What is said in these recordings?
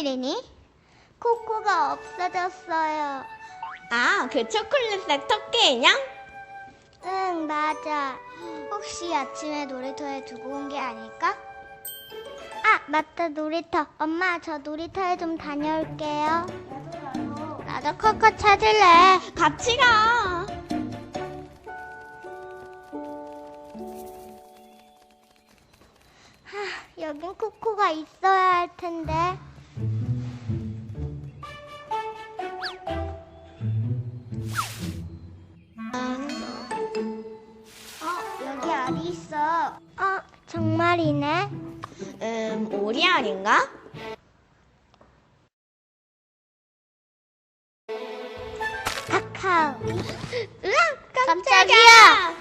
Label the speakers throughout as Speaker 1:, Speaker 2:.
Speaker 1: 일이니? 코코가 없어졌어요.
Speaker 2: 아, 그 초콜릿색 토끼 인형?
Speaker 1: 응, 맞아. 혹시 아침에 놀이터에 두고 온 게 아닐까? 아, 맞다, 놀이터. 엄마, 저 놀이터에 좀 다녀올게요. 나도 코코 찾을래.
Speaker 2: 같이 가.
Speaker 1: 여긴 코코가 있어야 할 텐데. 여기 알이 있어. 정말이네.
Speaker 2: 오리 아닌가?
Speaker 1: 카카오.
Speaker 2: 으악,
Speaker 1: 깜짝이야.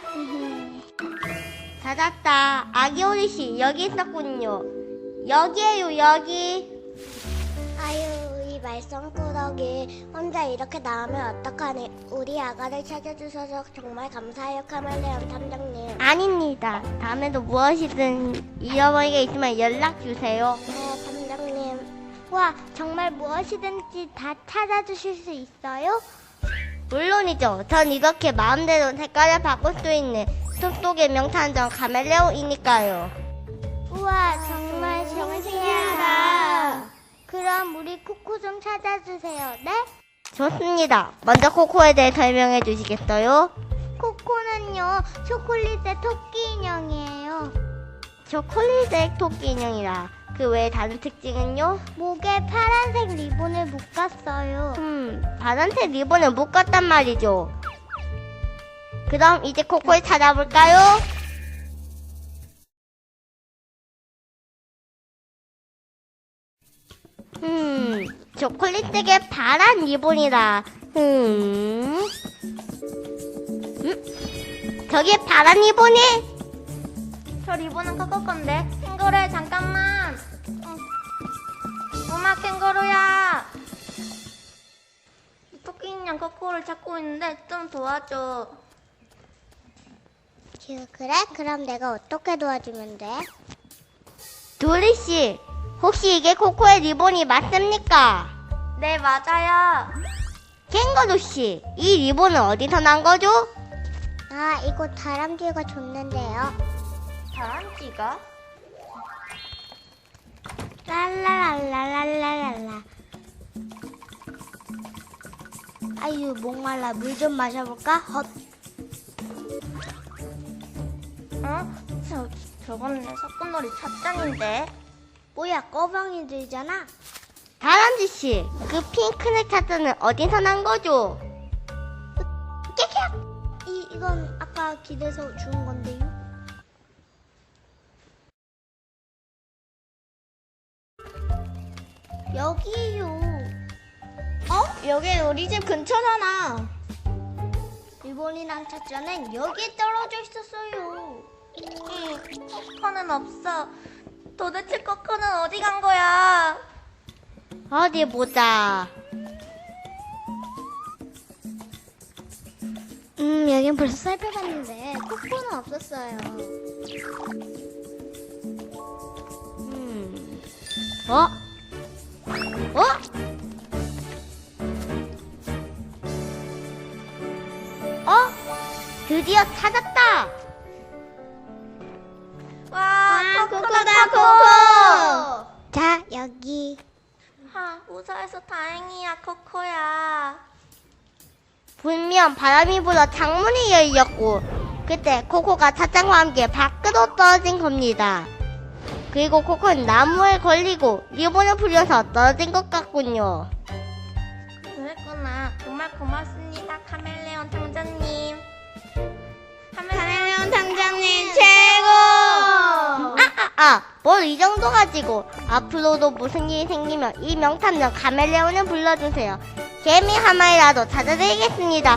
Speaker 2: 찾았다. 아기 오리씨, 여기 있었군요. 여기에요, 여기.
Speaker 1: 아유, 이 말썽꾸러기 혼자 이렇게 나오면 어떡하니. 우리 아가를 찾아주셔서 정말 감사해요, 카멜레온 탐정님.
Speaker 2: 아닙니다. 다음에도 무엇이든 잃어버린 게 있으면 연락주세요.
Speaker 1: 네, 탐정님. 와, 정말 무엇이든지 다 찾아주실 수 있어요?
Speaker 2: 물론이죠. 전 이렇게 마음대로 색깔을 바꿀 수 있는 숲속의 명탐정 카멜레온이니까요.
Speaker 1: 우와, 정말 신기하다. 그럼 우리 코코 좀 찾아주세요, 네?
Speaker 2: 좋습니다. 먼저 코코에 대해 설명해 주시겠어요?
Speaker 1: 코코는요, 초콜릿의 토끼 인형이에요.
Speaker 2: 초콜릿색 토끼 인형이라. 그 외에 다른 특징은요?
Speaker 1: 목에 파란색 리본을 묶었어요.
Speaker 2: 파란색 리본을 묶었단 말이죠. 그럼 이제 코코를 찾아볼까요? 초콜릿색의 파란 리본이라. 저기 파란 리본이? 저 리본은 코코 건데. 캥거루야, 잠깐만. 엄마, 캥거루야. 토끼 인형 코코를 찾고 있는데 좀 도와줘.
Speaker 1: 그래? 그럼 내가 어떻게 도와주면 돼?
Speaker 2: 도리씨, 혹시 이게 코코의 리본이 맞습니까? 네, 맞아요. 캥거루씨, 이 리본은 어디서 난 거죠?
Speaker 1: 아, 이거 다람쥐가 줬는데요.
Speaker 2: 다람쥐가?
Speaker 1: 랄라랄라랄라랄라. 아유, 목말라. 물 좀 마셔볼까? 헛.
Speaker 2: 저건 내 소꿉놀이 찻잔인데.
Speaker 1: 뭐야, 꺼방이 들잖아.
Speaker 2: 다람쥐씨, 그 핑크색 찻잔은 어디서 난 거죠?
Speaker 1: 이건 아까 길에서 주운 건데요. 여기요.
Speaker 2: 여기 우리 집 근처잖아.
Speaker 1: 리본이랑 찻잔은 여기에 떨어져 있었어요.
Speaker 2: 코코는 없어. 도대체 코코는 어디 간 거야? 어디 보자.
Speaker 1: 여긴 벌써 살펴봤는데 코코는 없었어요.
Speaker 2: 어? 드디어 찾았다! 와, 코코다, 코코!
Speaker 1: 자, 여기.
Speaker 2: 무사해서 다행이야, 코코야. 분명 바람이 불어 창문이 열렸고, 그때 코코가 찻잔과 함께 밖으로 떨어진 겁니다. 그리고 코코는 나무에 걸리고 리본을 풀려서 떨어진 것 같군요. 그랬구나. 정말 고맙습니다, 카멜레온 탐정님. 카멜레온 탐정님 최고! 뭘 이 정도 가지고. 앞으로도 무슨 일이 생기면 이 명탐정 카멜레온을 불러주세요. 개미 한 마리라도 찾아드리겠습니다.